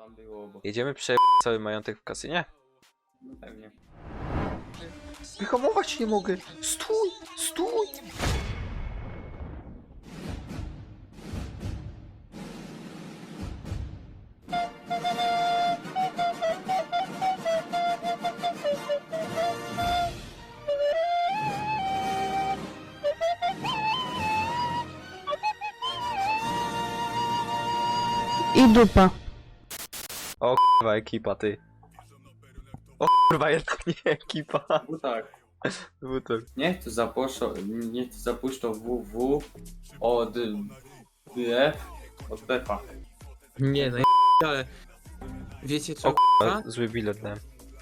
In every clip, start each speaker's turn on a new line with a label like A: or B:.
A: tam było, bo...
B: Jedziemy prze... cały majątek w kasynie?
A: No pewnie.
B: Wyhamować nie mogę! Stój! Stój!
C: I dupa.
B: O kurwa ekipa, ty. O kurwa jednak nie ekipa.
A: No tak.
B: Bo to...
A: Niech to zapuszczą WW od BF od BF-a.
D: Nie no, ale wiecie co,
B: O
D: k***a?
B: zły bilet dałem.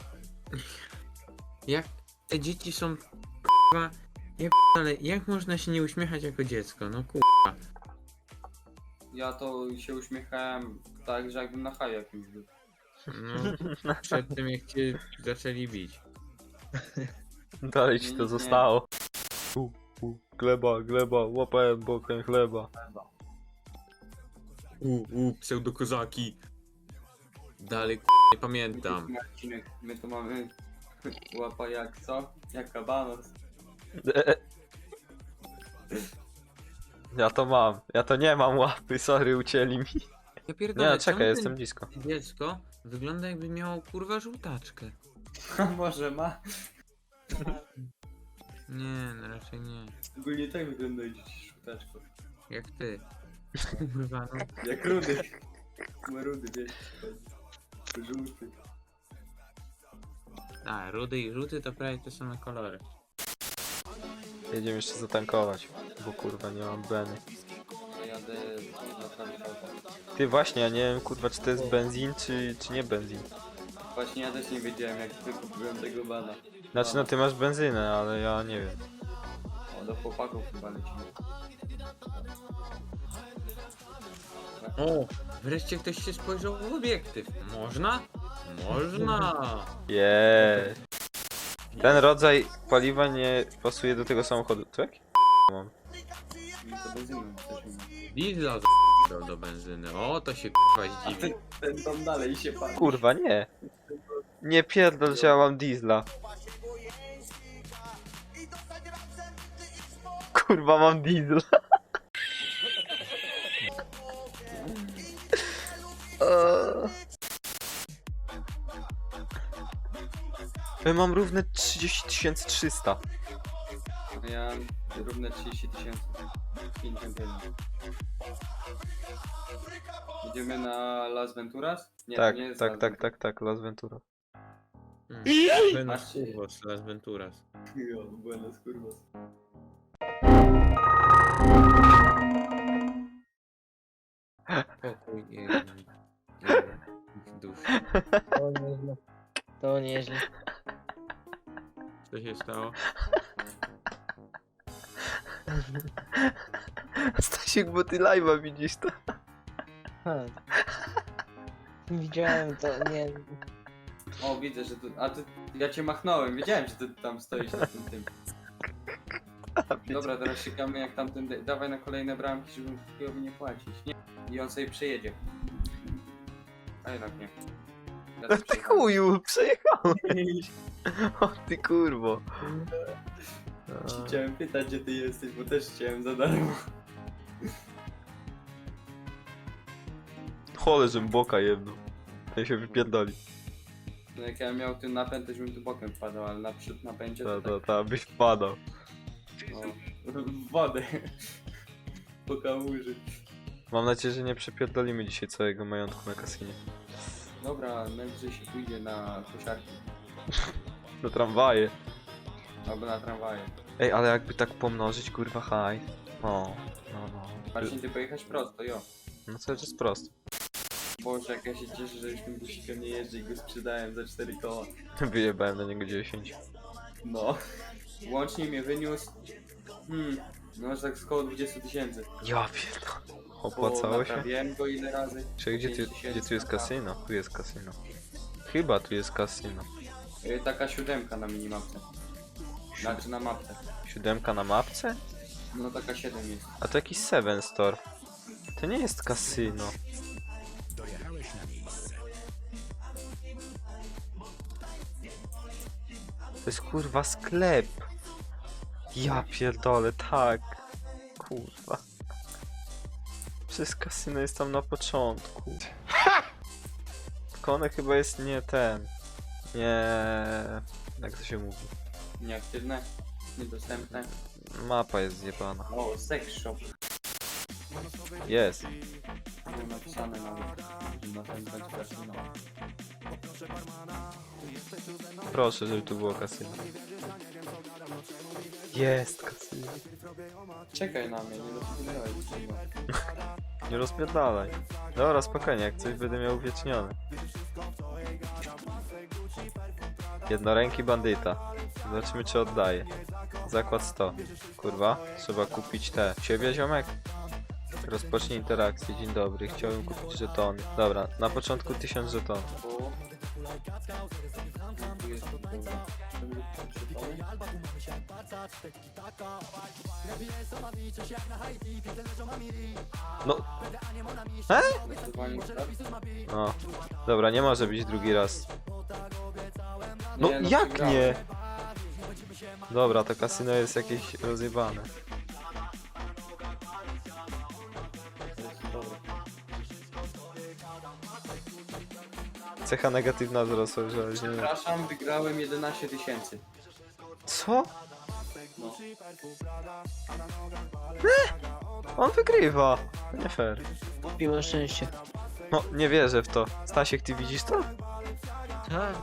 D: Jak te dzieci są k***a, ale jak można się nie uśmiechać jako dziecko, no k***a.
A: Ja to się uśmiechałem tak, że jakbym na haju jakimś był.
D: No, przed tym jak cię zaczęli bić.
B: Dalej ci to
A: Nie.
B: zostało. Gleba, gleba, łapałem bokiem chleba.
D: Pseudokozaki. Dalej nie pamiętam.
A: Marcinek, my to mamy łapa jak co? Jak kabanos.
B: Ja to mam. Ja to nie mam łapy, sorry, ucięli mi.
D: Ja pierdolę,
B: Nie, czekaj,
D: czemu
B: jestem
D: ten
B: blisko.
D: dziecko wygląda jakby miało kurwa żółtaczkę.
A: A może ma?
D: Nie, no raczej nie.
A: Ogólnie tak wygląda dziś szutaczko.
D: Jak ty. Kurwa no.
A: Jak rudy. Ma rudy, wiesz. Żółty.
D: A, rudy i żółty to prawie te same kolory.
B: Jedziemy jeszcze zatankować, bo kurwa nie mam beny.
A: Ja jadę na prawie auto.
B: Ty właśnie, ja nie wiem kurwa czy to jest benzin czy nie benzin.
A: Właśnie ja też nie wiedziałem jak wykupiłem tego bana.
B: Znaczy no ty masz benzynę, ale ja nie wiem.
A: O, do chłopaków chyba lecimy.
D: O, wreszcie ktoś się spojrzał w obiektyw. Można? Można!
B: Jeee. Ten rodzaj paliwa nie pasuje do tego samochodu. Co jak? Mam.
A: I to benzyną też mówię.
D: Diesla z***ał do benzyny. O, to się k***a
A: A
D: zdziwi.
A: ten tam dalej się pali.
B: Kurwa nie. Nie pierdol, że ja mam diesla. Kurwa mam diesla. Ja mam równe 30 300.
A: Ja mam równe 30 000. 51. Idziemy na Las Venturas? Nie,
B: Tak,
A: to nie jest
B: tak,
A: Las
B: tak, tak, tak, Las Ventura.
D: Buenos Curvos, Las Venturas.
A: Jo, buenas curvas.
D: Pokój i dusz.
C: To nieźle. To nieźle.
D: Co się stało?
B: Stasiek, bo ty live'a widzisz to.
C: Ha. Widziałem to, nie.
A: O, widzę, że tu... A ty... Ja cię machnąłem, wiedziałem, że ty tam stoisz na tym. Dobra, teraz czekamy jak tamten... Dawaj na kolejne bramki, żeby chujowi nie płacić. Nie. I on sobie przejedzie. A jednak nie. Ja sobie
B: Ty
A: przejechałem.
B: chuju, przejechałeś. O ty kurwo.
A: Chciałem pytać, gdzie ty jesteś, bo też chciałem za darmo.
B: Chole, żem boka jedną. Ten się wypierdoli.
A: No jak ja miał ten napęd, to bym tu bokiem wpadał, ale naprzód napędzie to
B: Ta, byś wpadał.
A: tak, no, w wodę. Po kałuży.
B: Mam nadzieję, że nie przepierdolimy dzisiaj całego majątku na kasynie.
A: Dobra, najwyżej się pójdzie na kosiarki.
B: Na tramwaje.
A: Albo na tramwaje.
B: Ej, ale jakby tak pomnożyć, kurwa, haj. O, no.
A: Marcin, ty pojechać prosto, jo.
B: No co jest prosto.
A: Boże, jak ja się cieszę, że już tym busikiem nie jeżdżę i go sprzedałem za 4 koła.
B: Wyjebałem na niego 10.
A: No. Łącznie mnie wyniósł... No aż tak z koło 20 000.
B: Ja pierdolę.
A: Bo
B: Opłacało się?
A: naprawiłem go ile razy.
B: Czy gdzie
A: 5 000,
B: tu jest kasyno? Tu jest kasyno. Chyba tu jest kasyno.
A: Taka 7 na minimapce. Znaczy na mapce.
B: 7 na mapce?
A: No taka 7 jest.
B: A to jakiś 7 store. To nie jest kasyno. To jest kurwa sklep. Ja pierdolę, tak. Kurwa. Przecież kasyno jest tam na początku. Tylko one chyba jest nie ten. Nie... Jak to się mówi?
A: Nieaktywne, niedostępne.
B: Mapa jest zjebana.
A: O, sex shop.
B: Jest.
A: Było napisane nawet, że na ten będzie kasyno.
B: Proszę, żeby tu było kasyno. Jest kasyno.
A: Czekaj na mnie, nie rozpoczynałeś czego.
B: Nie rozpierdalaj. Dobra, spokojnie, jak coś będę miał uwiecznione. Jednoręki bandyta. Zobaczymy, czy oddaje. Zakład 100. Kurwa, trzeba kupić te. Ciebie, ziomek? Rozpocznij interakcję. Dzień dobry, chciałbym kupić żetony. Dobra, na początku 1000 żetonów.
A: O. Tu jest to kurwa.
B: No. No. Dobra, nie może być drugi raz. No
A: Nie, no
B: jak
A: przegrałem.
B: nie? Dobra, to kasyno jest jakieś rozjebane.
A: To jest dobre.
B: Cecha negatywna wzrosła, że nie.
A: Przepraszam, wygrałem 11 000.
B: Co?
A: No.
B: On wygrywa. To nie fair.
C: Mimo szczęście.
B: No, nie wierzę w to. Stasiek, ty widzisz to?
C: Tak.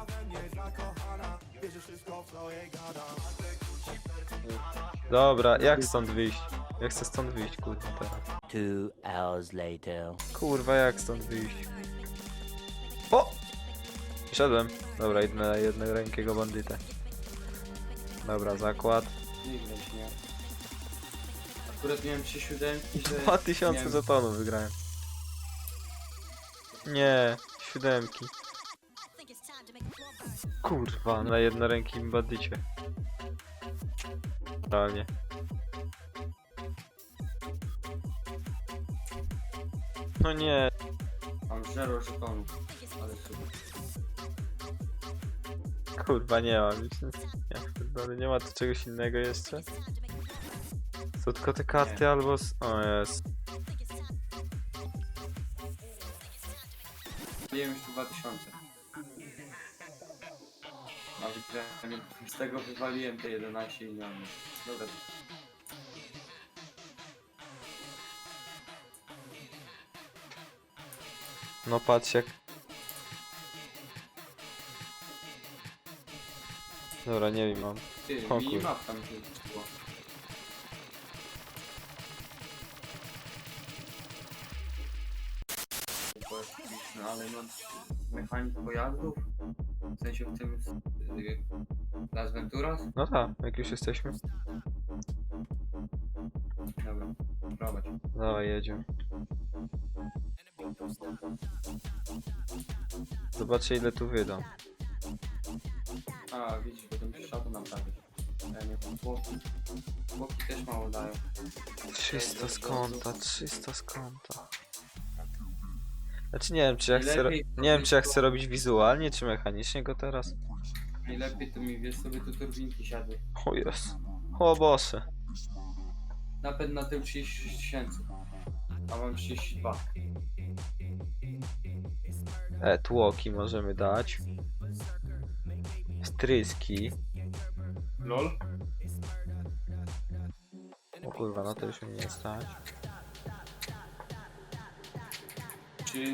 B: Dobra, jak stąd wyjść? Ja chcę stąd wyjść, kurwa, teraz.
E: 2 hours later.
B: Kurwa, jak stąd wyjść? O! Wszedłem. Dobra, idę na jednorękiego bandytę. Dobra, zakład.
A: Nie widać, nie. Akurat miałem 3 siódemki, że...
B: 2000
A: miałem-
B: żetonów wygrałem. Nie, siódemki. Kurwa, na jednorękim bandycie. Realnie. No nie,
A: Mam 0 żetonów. Ale super.
B: kurwa, nie mam już nic. Nie ma tu czegoś innego jeszcze? Są tylko te karty albo... O jest.
A: Miałem już tu 2000. A wygrałem, z tego wywaliłem te 11 milionów. Dobra.
B: No patrz jak... Dobra, nie wiem, mam.
A: Ty,
B: O
A: minimap tam się było. No ale no, mechanik pojazdów? W sensie w tym... Las Venturas?
B: No tak, jak już jesteśmy.
A: Dobra, prowadź.
B: Dawaj, jedziemy. Zobaczę ile tu wydam.
A: A, widzisz, bo ten trzeba to naprawić. Ja nie wiem, chłopi też mało dają.
B: 300 z konta, 300 z konta. Znaczy nie wiem czy ja chcę, nie wiem czy ja chcę robić wizualnie czy mechanicznie go teraz.
A: Najlepiej to mi, wiesz, sobie tu turbinki siadły.
B: O jest. O Boże.
A: Napęd na tył 36 000. A mam 32.
B: Tłoki możemy dać. Stryski.
A: LOL?
B: O kurwa, no to już mnie nie stać.
A: Czy...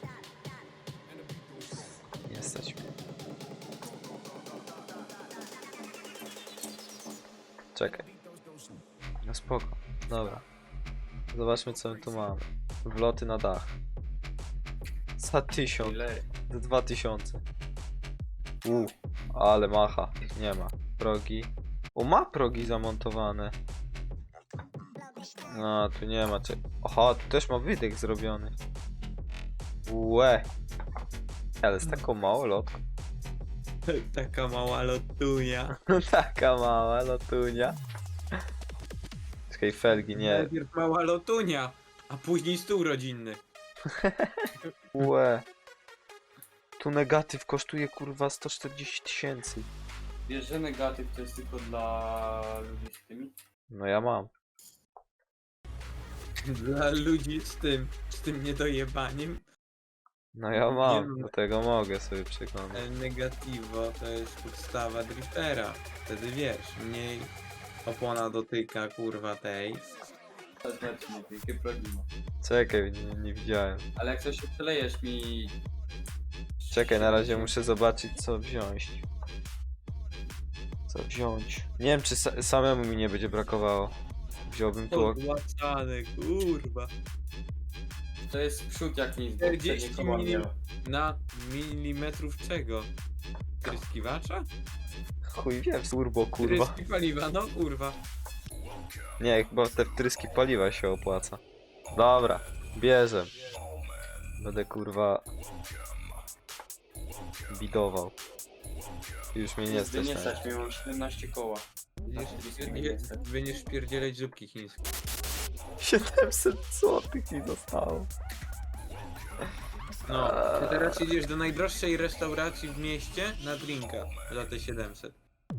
B: Nie stać mnie. Czekaj. No spoko. Dobra. Zobaczmy co my tu mamy. Wloty na dach. Za 1000.
A: Ile?
B: Za 2000. Ale macha. Nie ma. Progi. O, ma progi zamontowane. No, tu nie ma. Aha, tu też ma wydech zrobiony. Łe. Ale z taką małą lotką.
D: Taka mała lotunia.
B: Taka mała lotunia. Czekaj, felgi, nie.
D: Najpierw mała lotunia, a później stół rodzinny.
B: Łe. Tu negatyw kosztuje kurwa 140 000.
A: Wiesz, że negatyw to jest tylko dla ludzi z tymi?
B: No ja mam.
D: Dla ludzi z tym niedojebaniem.
B: No ja
D: Nie
B: mam,
D: mam.
B: do tego mogę sobie przekonać.
D: El Negativo to jest podstawa driftera. Wtedy wiesz, mniej opona dotyka kurwa tej.
A: To znaczy nie, wielkie problemy.
B: Czekaj, nie widziałem.
A: Ale jak coś się przelejesz mi...
B: Czekaj, na razie muszę zobaczyć co wziąć. Co wziąć? Nie wiem czy samemu mi nie będzie brakowało. Wziąłbym tu...
D: Odłacane, kurwa.
A: To jest przód jak nic, bo
D: 40
A: przednie koła
D: milim-
A: miała.
D: Na milimetrów czego? Tryskiwacza?
B: Chuj wiem, turbo kurwa.
D: Tryski paliwa, no kurwa.
B: Nie, chyba te wtryski paliwa się opłaca. Dobra, bierzem. Będę kurwa... bidował. Już mnie nie stać
A: Nie
B: na
A: stać, mam 17 koła.
D: Będziesz wpierdzielać zupki chińskie.
B: 700 złotych mi zostało.
D: No, ty teraz idziesz do najdroższej restauracji w mieście na drinka za te 700.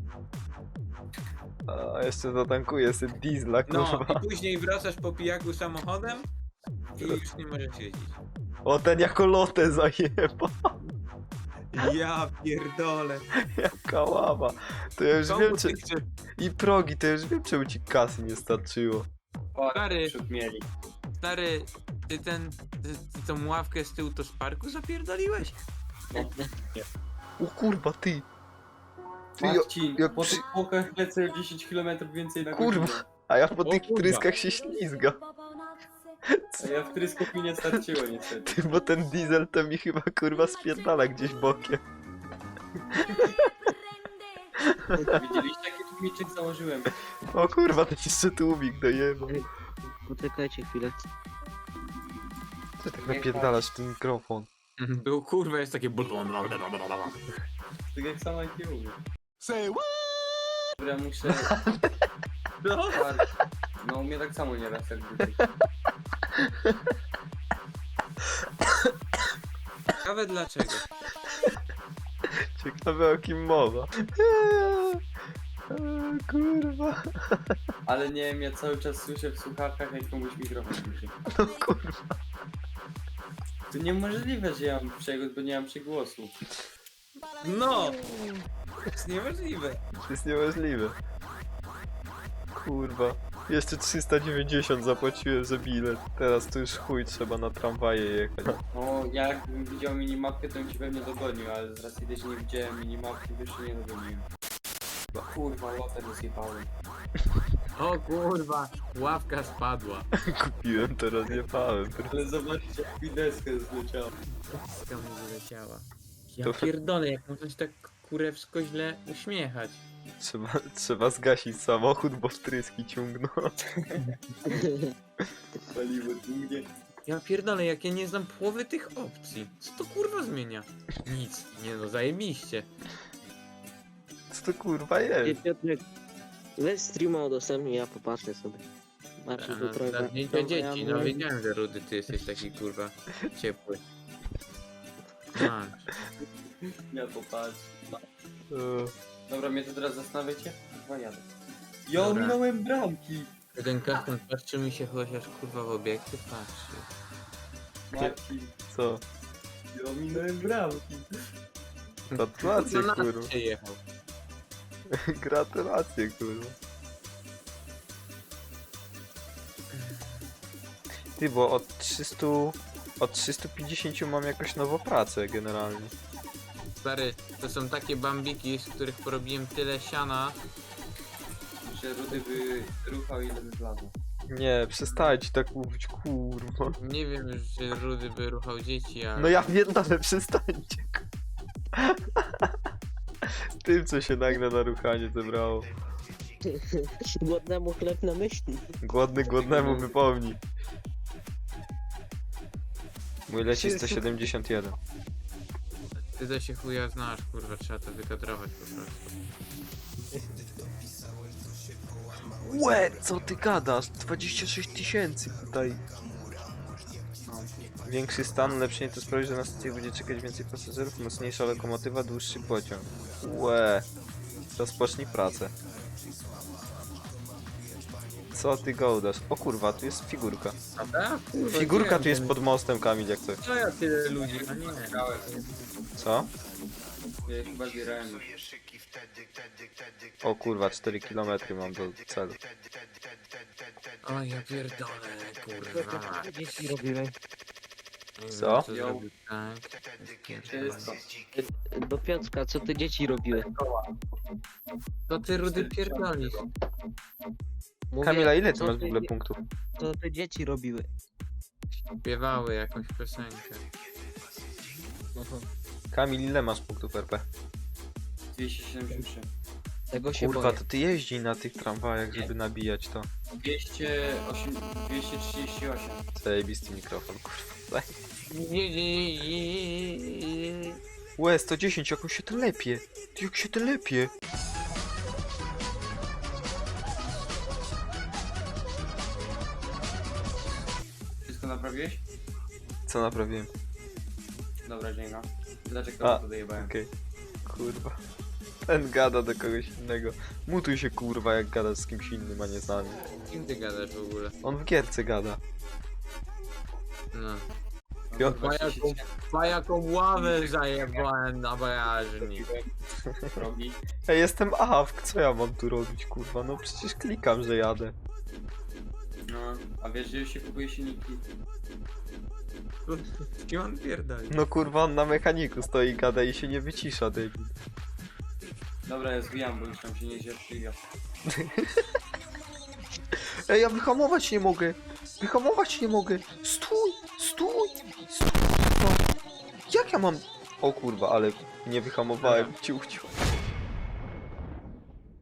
B: A jeszcze zatankuję sobie diesla,
D: No,
B: kurwa.
D: i później wracasz po pijaku samochodem i już nie możesz jeździć.
B: O, ten jako lotę zajeba.
D: Ja pierdolę.
B: Jaka ława. To ja już
D: Komu
B: wiem,
D: ty
B: czy...
D: chcesz?
B: I progi, to ja już wiem, czemu ci kasy nie starczyło.
D: Stary.
A: Przód mieli.
D: Stary, ty tą ławkę z tyłu to z parku zapierdoliłeś?
B: O kurwa, ty. Ty,
A: Marcin,
B: jak
A: po
B: przy-
A: tych płokach lecę 10 km więcej na
B: Kurwa.
A: godzinę.
B: A ja po
D: O
B: tych
D: kurwa.
B: tryskach się ślizga.
A: A ja w tryskop mi nie starczyło niestety.
B: Ty, bo ten diesel to mi chyba kurwa spierdala gdzieś bokiem.
A: Widzieliście jaki tłumiczek założyłem?
B: O kurwa, ten jeszcze tłumik dojebał.
C: Poczekajcie chwilę.
B: Ty tak napierdalasz w ten mikrofon.
D: Był kurwa, jest takie...
A: Tak jak sama IQ mówię. Dobra, muszę...
D: No.
A: No u mnie tak samo nieraz jak tutaj.
D: Ciekawe dlaczego.
B: Ciekawe o kim mowa. Kurwa.
A: Ale nie wiem, ja cały czas słyszę w słuchawkach jak komuś mikrofon słyszy.
B: No kurwa.
A: To niemożliwe, że ja mam przegłos, bo nie mam przegłosu.
D: No! To jest niemożliwe.
B: To jest niemożliwe. Kurwa. Jeszcze 390 zapłaciłem za bilet. Teraz to już chuj, trzeba na tramwaje jechać.
A: No, jakbym widział minimapkę, to bym ci pewnie dogonił, ale z racji też nie widziałem minimapki, to jeszcze nie dogoniłem. Kurwa, lotę rozjebałem.
D: O kurwa, ławka spadła.
B: Kupiłem, teraz jebałem.
A: Ale zobaczcie, jak mi deskę zleciała.
D: Deska mu wyleciała. Ja
B: To-
D: pierdolę, jak można się tak kurewsko źle uśmiechać.
B: Trzeba zgasić samochód, bo wtryski ciągną.
A: Paliwo długie.
D: Ja pierdolę, jak ja nie znam połowy tych opcji. Co to kurwa zmienia? Nic. Nie no, zajebiście.
B: Co to kurwa jest?
C: Piotrek, weź streama udostępnij, ja popatrzę sobie. Marcin tu trochę...
D: Zamknięcie
C: trochę
D: dzieci,
C: ja
D: no
C: mówię-
D: wiedziałem, że Rudy, ty jesteś taki kurwa ciepły. Masz.
A: Ja popatrz.
B: E,
A: Dobra, mnie to teraz zastanawiacie? Chyba jadę. Ja
D: Dobra.
A: ominąłem bramki!
D: Ten karton patrzy mi się chociaż kurwa w obiektyw patrzy.
A: Marcin,
B: Co?
A: ja ominąłem bramki.
B: Gratulacje,
D: Na nas
B: kurwa.
D: przyjechał.
B: Gratulacje, kurwa. Ty, bo od 300... Od 350 mam jakoś nową pracę generalnie.
D: Stary, to są takie bambiki, z których porobiłem tyle siana.
A: Że Rudy by ruchał ile by wlazło.
B: Nie, przestańcie tak mówić, kurwa.
D: Nie wiem, czy Rudy by ruchał dzieci, ale...
B: No ja wiem, ale przestańcie. Tym, co się nagle na ruchanie zebrało.
C: Głodnemu chleb na myśli.
B: Głodny głodnemu wypomni. Mój leci 171.
D: Ty to się chuja znasz, kurwa, trzeba to wykadrować po prostu.
B: Łe, co ty gadasz? 26 000 tutaj. Większy stan, lepszy nie to sprawi, że na stacjach będzie czekać więcej pasażerów, mocniejsza lokomotywa, dłuższy pociąg. Łe. Rozpocznij pracę. Co ty gołdasz? O kurwa, tu jest figurka.
D: Prawda? Kurwa,
B: Figurka
D: gdzie
B: tu jest
D: ten-
B: pod mostem, Kamil, jak coś.
D: Co ja tyle ludzi? A nie.
B: Co?
A: Ja chyba zbierałem już.
B: O kurwa, 4 km mam do celu.
D: O ja pierdolę, kurwa.
C: Dzieci robiły.
B: Co?
D: Zrobił tak.
A: Wszystko.
C: Do Piotrka, co te dzieci robiły?
D: To ty rudy pierdolisz.
C: Mówię,
B: Kamila, ile ty
C: co
B: masz w ogóle punktów?
C: Co te dzieci robiły?
D: Śpiewały jakąś piosenkę.
C: Aha.
B: Kamil, ile masz punktów RP?
A: 273.
C: Tego się
B: Kurwa,
C: boję.
B: to ty jeździ na tych tramwajach, żeby nabijać to.
A: 238.
B: Zajebisty mikrofon, kurwa.
C: Nie.
B: Łe, 110, jak on się telepie. Ty, jak się telepie.
A: Wszystko naprawiłeś?
B: Co naprawiłem?
A: Dobra, dzięki. Dlaczego
B: A,
A: to dojebałem?
B: Okej. Kurwa. Ten gada do kogoś innego. Mutuj się kurwa, jak gada z kimś innym, a nie z nami.
D: Kim ty gadasz w ogóle?
B: On w gierce gada.
D: No.
B: Jo-
D: Pa jaką ławę zajebałem na bagażnik.
A: Robi.
B: Ej, jestem AFK, co ja mam tu robić, kurwa? No przecież klikam, że jadę.
A: No, a wiesz, że już się kupuje silniki?
D: Z kim on pierdoli?
B: No kurwa, on na mechaniku stoi, gada i się nie wycisza, debil.
A: Dobra, ja zwijam, bo już tam się nie zjadł.
B: Ej, ja wyhamować nie mogę! Wyhamować nie mogę! Stój! Stój! Stój! No. Jak ja mam... O kurwa, ale nie wyhamowałem, ciuchciu.